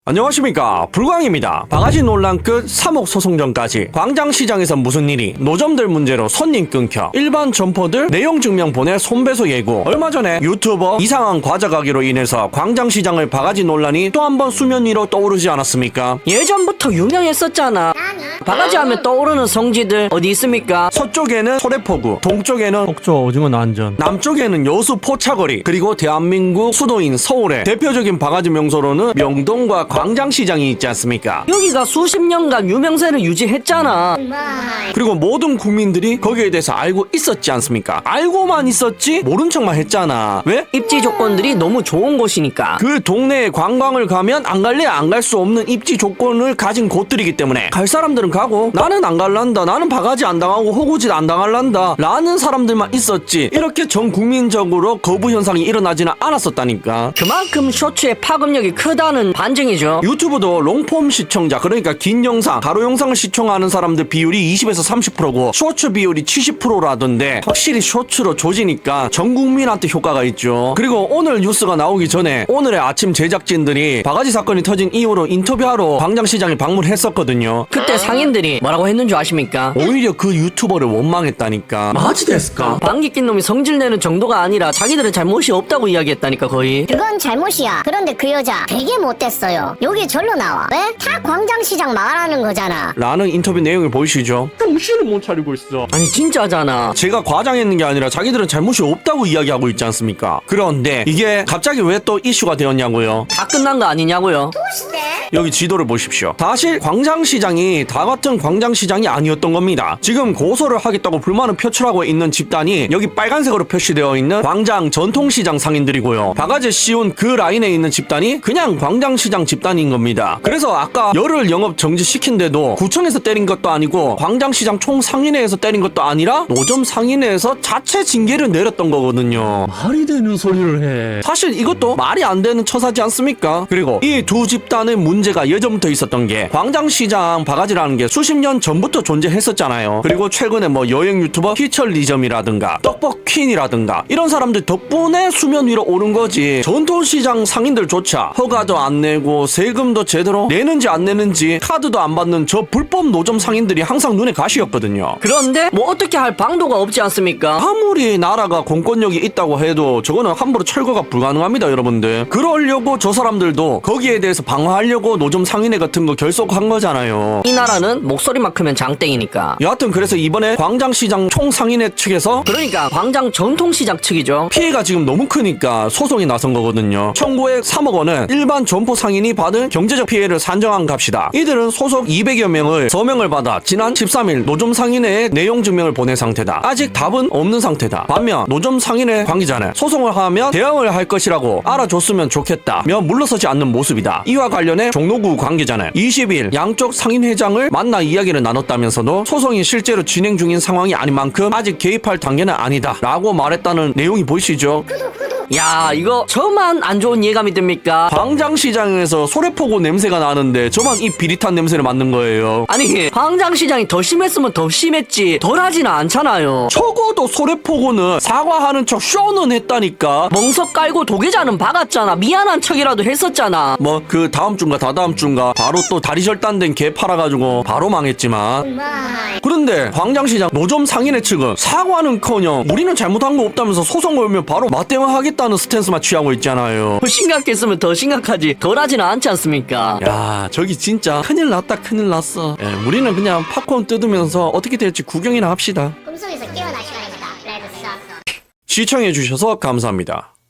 안녕하십니까, 불광입니다. 바가지 논란 끝 3억 소송전까지. 광장시장에서 무슨 일이? 노점들 문제로 손님 끊겨, 일반 점포들 내용 증명 보내 손배소 예고, 얼마 전에 유튜버 이상한 과자 가게로 인해서 광장시장의 바가지 논란이 또 한 번 수면 위로 떠오르지 않았습니까? 예전부터 유명했었잖아. 바가지 하면 떠오르는 성지들 어디 있습니까? 서쪽에는 소래포구, 동쪽에는 속초 오징어 난전, 남쪽에는 여수 포차거리, 그리고 대한민국 수도인 서울의 대표적인 바가지 명소로는 명동과 광장시장이 있지 않습니까? 여기가 수십 년간 유명세를 유지했잖아. 그리고 모든 국민들이 거기에 대해서 알고 있었지 않습니까? 알고만 있었지 모른 척만 했잖아. 왜? 입지 조건들이 너무 좋은 곳이니까. 그 동네에 관광을 가면 안 갈래 안 갈 수 없는 입지 조건을 가진 곳들이기 때문에 갈 사람들은 가고, 나는 안 갈란다, 나는 바가지 안 당하고 호구짓 안 당할란다 라는 사람들만 있었지, 이렇게 전 국민적으로 거부 현상이 일어나지는 않았었다니까. 그만큼 쇼츠의 파급력이 크다는 반증이죠. 유튜브도 롱폼 시청자, 그러니까 긴 영상, 가로 영상을 시청하는 사람들 비율이 20에서 30%고 쇼츠 비율이 70%라던데 확실히 쇼츠로 조지니까 전 국민한테 효과가 있죠. 그리고 오늘 뉴스가 나오기 전에 오늘의 아침 제작진들이 바가지 사건이 터진 이후로 인터뷰하러 광장시장에 방문했었거든요. 그때 상인들이 뭐라고 했는 줄 아십니까? 오히려 그 유튜버를 원망했다니까. 마지 됐을까? 방귀 낀 놈이 성질내는 정도가 아니라 자기들은 잘못이 없다고 이야기했다니까. 거의 그건 잘못이야. 그런데 그 여자 되게 못됐어요. 여기 절로 나와. 왜? 다 광장시장 말하는 거잖아. 라는 인터뷰 내용을 보이시죠? 정신을 못 차리고 있어. 아니 진짜잖아. 제가 과장했는 게 아니라 자기들은 잘못이 없다고 이야기하고 있지 않습니까? 그런데 이게 갑자기 왜 또 이슈가 되었냐고요? 다 끝난 거 아니냐고요? 여기 지도를 보십시오. 사실 광장시장이 다 같은 광장시장이 아니었던 겁니다. 지금 고소를 하겠다고 불만을 표출하고 있는 집단이 여기 빨간색으로 표시되어 있는 광장 전통시장 상인들이고요. 바가지 씌운 그 라인에 있는 집단이 그냥 광장시장 집단인 겁니다. 그래서 아까 열흘 영업 정지시킨데도 구청에서 때린 것도 아니고 광장시장 총상인회에서 때린 것도 아니라 노점 상인회에서 자체 징계를 내렸던 거거든요. 말이 되는 소리를 해. 사실 이것도 말이 안 되는 처사지 않습니까? 그리고 이 두 집단의 문제가 예전부터 있었던 게, 광장시장 바가지라는 게 수십 년 전부터 존재했었잖아요. 그리고 최근에 뭐 여행 유튜버 피처리즘이라든가 떡볶퀸이라든가 이런 사람들 덕분에 수면 위로 오른 거지, 전통시장 상인들조차 허가도 안 내고 세금도 제대로 내는지 안 내는지 카드도 안 받는 저 불법 노점 상인들이 항상 눈에 가시였거든요. 그런데 뭐 어떻게 할 방도가 없지 않습니까? 아무리 나라가 공권력이 있다고 해도 저거는 함부로 철거가 불가능합니다, 여러분들. 그러려고 저 사람들도 거기에 대해서 방어하려고 노점 상인회 같은 거 결속한 거잖아요. 이 나라는 목소리만 크면 장땡이니까. 여하튼 그래서 이번에 광장시장 총상인회 측에서 그러니까 광장 전통시장 측이죠. 피해가 지금 너무 크니까 소송이 나선 거거든요. 청구액 3억 원은 일반 점포 상인이 받은 경제적 피해를 산정한 값이다. 이들은 소속 200여 명을 서명을 받아 지난 13일 노점 상인회에 내용 증명을 보낸 상태다. 아직 답은 없는 상태다. 반면 노점 상인회 관계자는 소송을 하면 대응을 할 것이라고 알아줬으면 좋겠다며 물러서지 않는 모습이다. 이와 관련해 종로구 관계자는 20일 양쪽 상인회장을 만나 이야기를 나눴다면서도 소송이 실제로 진행 중인 상황이 아닌 만큼 아직 개입할 단계는 아니다 라고 말했다는 내용이 보이시죠? 야, 이거 저만 안 좋은 예감이 듭니까? 광장시장에서 소래포구 냄새가 나는데 저만 이 비릿한 냄새를 맡는 거예요. 아니, 광장시장이 더 심했으면 더 심했지 덜하지는 않잖아요. 적어도 소래포구는 사과하는 척 쇼는 했다니까. 멍석 깔고 도계자는 박았잖아. 미안한 척이라도 했었잖아. 뭐 그 다음 주인가 다다음 주인가 바로 또 다리 절단된 개 팔아가지고 바로 망했지만, 그런데 광장시장 노점 상인회 측은 사과는커녕 우리는 잘못한 거 없다면서 소송 걸면 바로 맞대응하겠다는 스탠스만 취하고 있잖아요. 더 심각했으면 더 심각하지 덜하지는 않지 않습니까? 야, 저기 진짜 큰일 났다, 큰일 났어. 우리는 그냥 팝콘 뜯으면서 어떻게 될지 구경이나 합시다. 꿈속에서 깨어날 시간입니다. 레드 사 시청해주셔서 감사합니다.